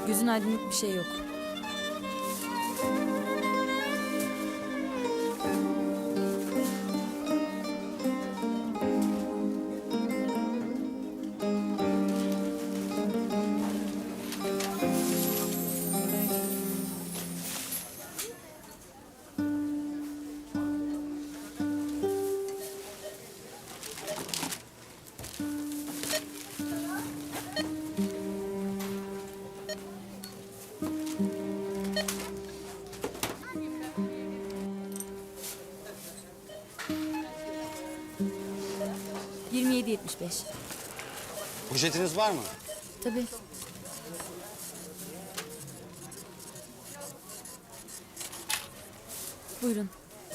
Gözün aydınlık bir şey yok. ...27.75. Poşetiniz var mı? Tabii. Buyurun.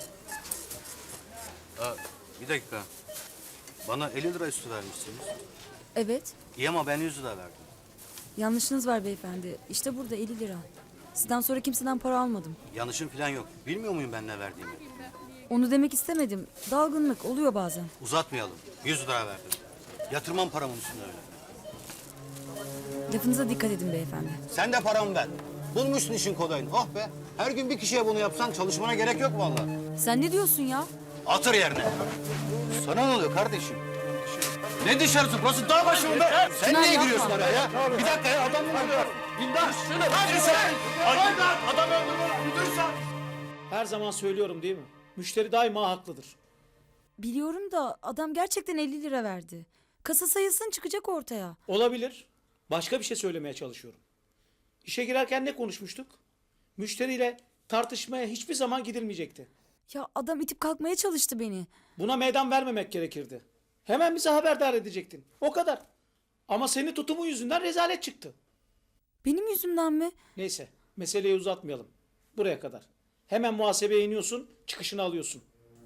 Bir dakika. Bana 50 lira üstü vermişsiniz. Evet. İyi ama ben 100 lira verdim. Yanlışınız var beyefendi. İşte burada 50 lira. Sizden sonra kimseden para almadım. Yanlışım falan yok. Bilmiyor muyum ben ne verdiğimi? Onu demek istemedim. Dalgınlık oluyor bazen. Uzatmayalım. 100 lira verdim. Yatırmam paramın üstüne öyle. Lafınıza dikkat edin beyefendi. Sen de paramı ver. Bulmuşsun işin kolayını. Oh be. Her gün bir kişiye bunu yapsan çalışmana gerek yok vallahi. Sen ne diyorsun ya? Atır yerine. Sana ne oluyor kardeşim? Ne dışarısı? Burası dağ başı mı be? Sen Çınar, niye yapma. giriyorsun araya ya? Bir dakika ya adam mı vuruyor? Dindar. Hadi sen. Adam öldürme. Müdürsen. Her zaman söylüyorum değil mi? Müşteri daima haklıdır. Biliyorum da adam gerçekten 50 lira verdi. Kasa sayısın çıkacak ortaya. Olabilir. Başka bir şey söylemeye çalışıyorum. İşe girerken ne konuşmuştuk? Müşteriyle tartışmaya hiçbir zaman gidilmeyecekti. Ya adam itip kalkmaya çalıştı beni. Buna meydan vermemek gerekirdi. Hemen bize haberdar edecektin. O kadar. Ama senin tutumun yüzünden rezalet çıktı. Benim yüzümden mi? Neyse, meseleyi uzatmayalım. Buraya kadar. Hemen muhasebeye iniyorsun, çıkışını alıyorsun.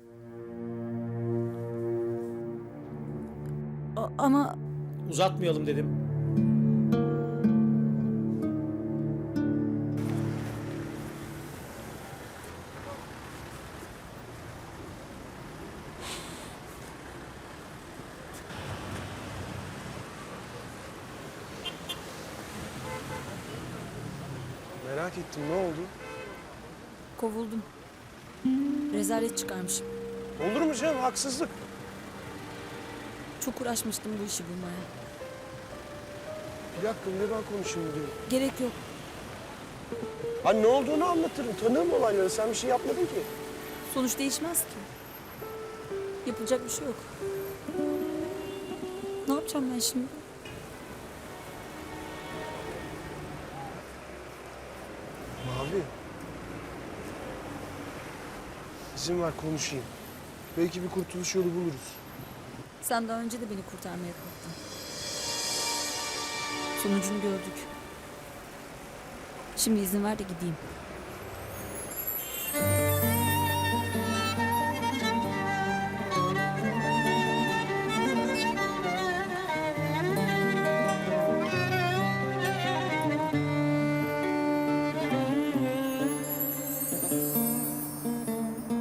Ama Uzatmayalım dedim. Merak ettim, ne oldu? kovuldum. Rezalet çıkarmışım. Olur mu canım, haksızlık. Çok uğraşmıştım bu işi bulmaya. Bir dakika, bir de ben konuşayım diyorum. Gerek yok. Ha ne olduğunu anlatırım, tanırım olayları. Sen bir şey yapmadın ki. Sonuç değişmez ki. Yapılacak bir şey yok. Ne yapacağım ben şimdi? Mavi. İzin ver konuşayım. Belki bir kurtuluş yolu buluruz. Sen daha önce de beni kurtarmaya kalktın. Sonucunu gördük. Şimdi izin ver de gideyim.